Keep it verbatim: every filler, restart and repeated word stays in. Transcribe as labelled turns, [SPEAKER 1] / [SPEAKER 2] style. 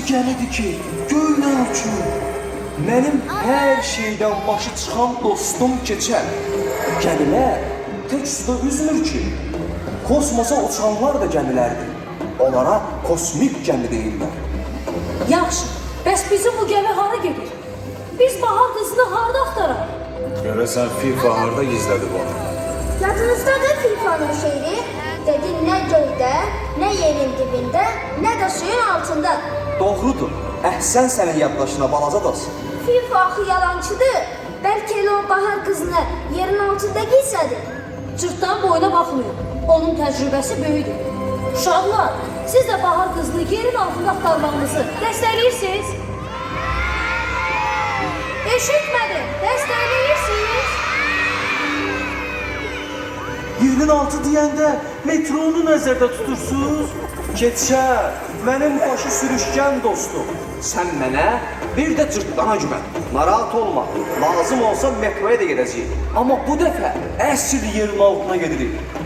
[SPEAKER 1] gəlidir ki, göylə uçur. Mənim hər şeydən başı çıxan dostum keçər. Gəmilər tək suda üzmür ki, kosmosa uçanlar da gəmilərdir. Onlara kosmik gəmi deyirlər.
[SPEAKER 2] Yaxşı, bəs bizim bu gəmi hara gedir? Biz bahar qızını harada axtaraq?
[SPEAKER 3] Görəsən FIFA harda gizlədib onu?
[SPEAKER 4] Yadınızdadır Fifanın şeiri? Dedi nə göydə, nə yerin dibində, nə də suyun altında.
[SPEAKER 1] Doğrudur, əhsən sənin yaddaşına balaca dost.
[SPEAKER 4] Fifa axı yalancıdır. Bəlkə elə o bahar qızını yerin altında gizlədir.
[SPEAKER 2] Cırtdan boyuna baxmayın. Onun təcrübəsi böyükdür. Uşaqlar, siz də bahar qızını yerin altında axtarmağınızı dəstəkləyirsiniz? Eşitmədim, dəstəkləyirsiniz?
[SPEAKER 1] Yerin altı deyəndə metronu nəzərdə tutursunuz? Keçər, mənim başı sürüşkən dostum. Sən mənə bir də cırtdana güvən. Narahat olma, lazım olsa metroya da gedəcəyik. Amma bu dəfə əsl yerin altına gedirik.